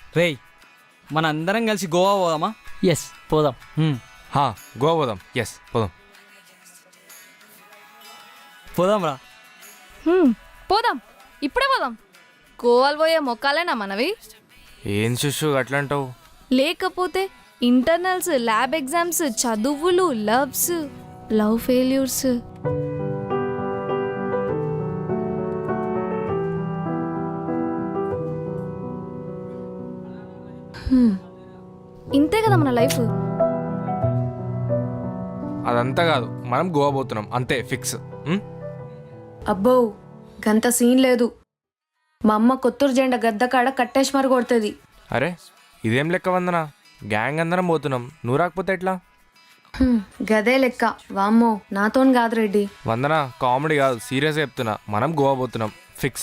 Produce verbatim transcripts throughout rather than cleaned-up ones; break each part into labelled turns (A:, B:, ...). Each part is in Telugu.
A: రేయ్ మన అందరం కలిసి గోవా పోదామా?
B: ఎస్ పోదాం.
C: హా గోవా పోదాం. ఎస్ పోదాం
A: పోదాం రా.
D: పోదాం, ఇప్పుడే పోదాం. గోవాలు పోయే మొక్కాలేనా మనవి?
C: ఏం శిశు అట్లా అంటావు?
D: లేకపోతే ఇంటర్నల్స్, ల్యాబ్ ఎగ్జామ్స్, చదువులు, లవ్స్, లవ్ ఫెయిల్యూర్స్. ఇంతే కదా మన లైఫ్.
C: అదంతా కాదు, మనం గోవా పోతున్నాం అంతే, ఫిక్స్.
E: అబ్బో గంత సీన్ లేదు. మా అమ్మ కొత్తూరు జెండా గద్ద కాడ కట్టేసి మరి కొడుతుంది.
C: అరే ఇదేం లెక్క వందన, గ్యాంగ్ అందరం పోతున్నాం, నువ్వు రాకపోతే ఎట్లా?
E: గదే లెక్క. వామ్మో నాతోని కాదు రెడ్డి.
C: వందన కామెడీ కాదు, సీరియస్గా చెప్తున్నా, మనం గోవా పోతున్నాం ఫిక్స్.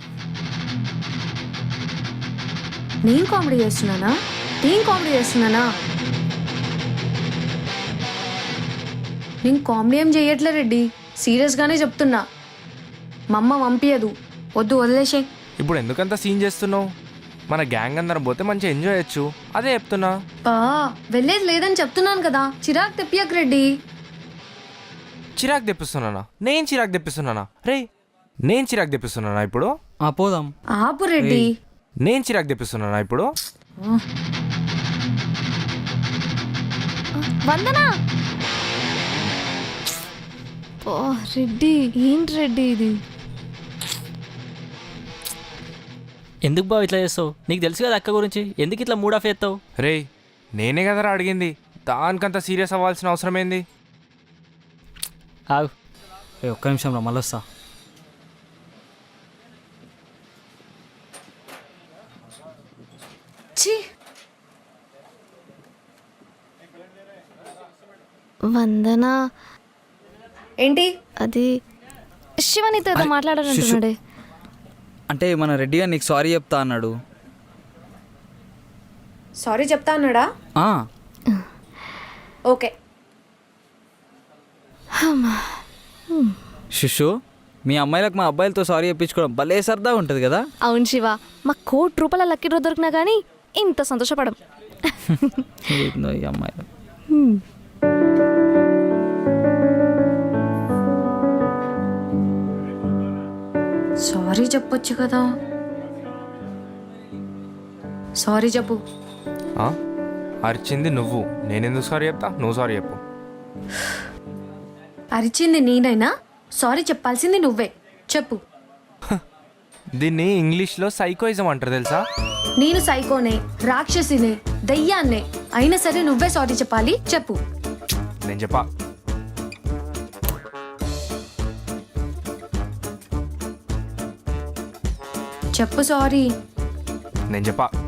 E: నేను కామెడీ చేస్తున్నానా? నేను కామెడీ చేస్తున్నానా? నేను కామెడీ ఏం చెయ్యట్లే రెడ్డి, సీరియస్గానే చెప్తున్నా. మా అమ్మ పంపించదు, వద్దు వదిలేసే.
C: ఇప్పుడు ఎందుకంత సీన్ చేస్తున్నావు? మన గ్యాంగ్ అందరం పోతే మంచిగా ఎంజాయ్ చేయొచ్చు, అదే చెప్తున్నా.
E: బా వెళ్ళేది లేదని చెప్తున్నాను కదా, చిరాకు తెప్పియకు రెడ్డి.
C: చిరాకు తెప్పిస్తున్నానా? నేను చిరాకు తెప్పిస్తున్నానా? రే నేను చిరాకు తెప్పిస్తున్నానా ఇప్పుడు?
A: ఆ పోదాం.
E: ఆపు రెడ్డి.
C: నేను చిరాకు తెప్పిస్తున్నానా ఇప్పుడు?
D: వందనా, ఓ రెడ్డి, ఏంటి రెడ్డి ఇది?
B: ఎందుకు బావ ఇట్లా చేస్తావు? నీకు తెలుసు కదా అక్క గురించి, ఎందుకు ఇట్లా మూడ్ ఆఫ్ చేస్తావు?
C: రే నేనే కదరా అడిగింది, దానికంత సీరియస్ అవ్వాల్సిన అవసరం ఏంది?
B: ఆగు.
A: ఏ ఒక్క నిమిషం రా, మళ్ళీ వస్తా.
E: ఛీ
D: వందనా
E: ఏంటి?
D: అది శివనితో ఏదో
A: అరే,
D: మాట్లాడాలంటున్నాడే.
A: అంటే మన రెడ్డిగా నీకు సారీ చెప్తా అన్నాడు.
E: సారీ చెప్తా అన్నాడా?
A: ఆ,
E: ఓకే.
A: శిశు మీ అమ్మాయిలకు మా అబ్బాయిలతో సారీ చెప్పించుకోవడం భలే సరదా ఉంటుంది కదా.
D: అవును శివ, మా కోటి రూపాయల లక్కీ డ్రా దొరికినా కానీ ఇంత సంతోషపడం.
A: ఏందో ఈ అమ్మాయిలు.
E: సారీ చెప్పొచ్చు కదా. సారీ చెప్పు.
C: ఆ? అరిచింది నువ్వు, నేనెందుకు సారీ చెప్తా? నువ్వు సారీ చెప్పు.
E: అరిచింది నేనైనా సారీ చెప్పాల్సింది నువ్వే. చెప్పు.
C: దీన్ని ఇంగ్లీష్లో సైకోయిజం అంటారు తెలుసా?
E: నేను సైకోనే, రాక్షసినే, దయ్యాన్నే, అయినా సరే నువ్వే సారీ చెప్పాలి. చెప్పు.
C: నేను చెప్పా.
E: చెప్పు సారీ.
C: నేను చెప్పా